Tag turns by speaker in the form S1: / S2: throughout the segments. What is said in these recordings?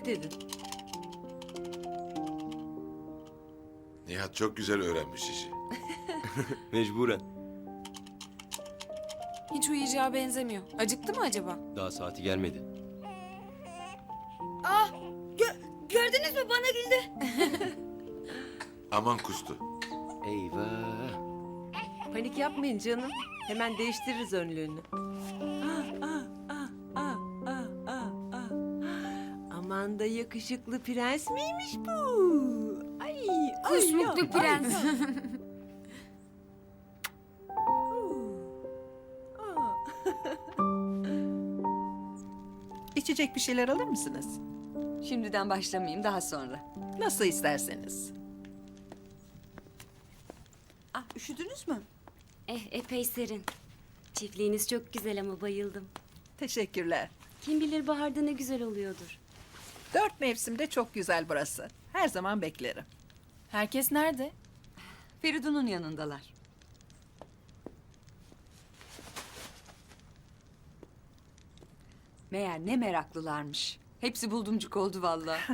S1: dedin.
S2: Nihat çok güzel öğrenmiş işi.
S3: Mecburen.
S4: Hiç uyuyacağı benzemiyor. Acıktı mı acaba?
S3: Daha saati gelmedi.
S5: Gördünüz mü, bana güldü.
S2: Aman kustu.
S3: Eyvah.
S1: Panik yapmayın canım. Hemen değiştiririz önlüğünü. Aman da yakışıklı prens miymiş bu? Ay,
S5: Kusmuklu prens.
S6: İçecek bir şeyler alır mısınız?
S5: Şimdiden başlamayayım, daha sonra.
S6: Nasıl isterseniz.
S5: Üşüdünüz mü?
S7: Epey serin. Çiftliğiniz çok güzel ama bayıldım.
S6: Teşekkürler.
S7: Kim bilir baharda ne güzel oluyordur.
S6: 4 mevsimde çok güzel burası. Her zaman beklerim.
S4: Herkes nerede?
S5: Feridun'un yanındalar. Meğer ne meraklılarmış. Hepsi buldumcuk oldu vallahi.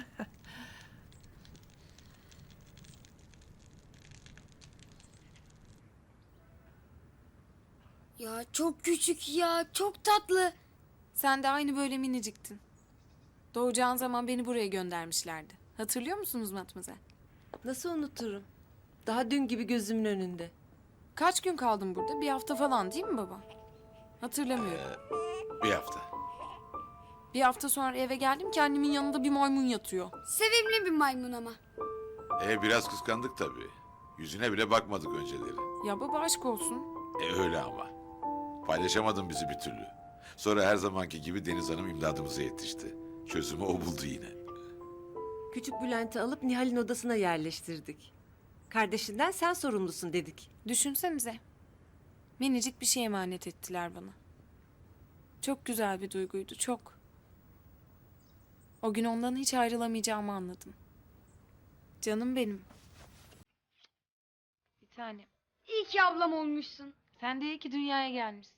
S8: Ya çok küçük ya, çok tatlı.
S4: Sen de aynı böyle miniciktin. Doğacağın zaman beni buraya göndermişlerdi. Hatırlıyor musunuz Matmazel?
S1: Nasıl unuturum? Daha dün gibi gözümün önünde.
S4: Kaç gün kaldın burada? Bir hafta falan değil mi baba? Hatırlamıyorum.
S2: Bir hafta.
S4: Bir hafta sonra eve geldim ki annemin yanında bir maymun yatıyor.
S8: Sevimli bir maymun ama.
S2: Biraz kıskandık tabii. Yüzüne bile bakmadık önceleri.
S4: Ya baba aşk olsun.
S2: Öyle ama. Paylaşamadın bizi bir türlü. Sonra her zamanki gibi Deniz Hanım imdadımıza yetişti. Çözümü o buldu yine.
S1: Küçük Bülent'i alıp Nihal'in odasına yerleştirdik. Kardeşinden sen sorumlusun dedik.
S4: Düşünsenize. Minicik bir şey emanet ettiler bana. Çok güzel bir duyguydu, çok. O gün ondan hiç ayrılamayacağımı anladım. Canım benim. Bir tanem.
S8: İyi ki ablam olmuşsun.
S4: Sen de iyi ki dünyaya gelmişsin.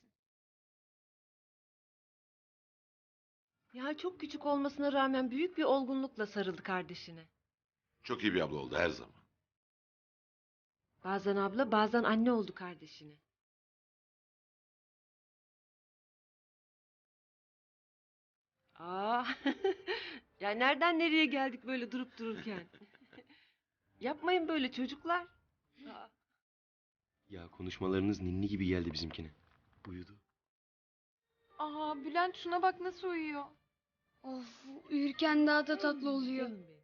S1: Nihal çok küçük olmasına rağmen büyük bir olgunlukla sarıldı kardeşine.
S2: Çok iyi bir abla oldu her zaman.
S1: Bazen abla, bazen anne oldu kardeşine. Aa, ya nereden nereye geldik böyle durup dururken? Yapmayın böyle çocuklar. Aa.
S3: Ya konuşmalarınız ninni gibi geldi bizimkine. Uyudu.
S4: Aa Bülent şuna bak nasıl uyuyor.
S8: Of, uyurken daha da tatlı oluyor.
S1: Canım benim.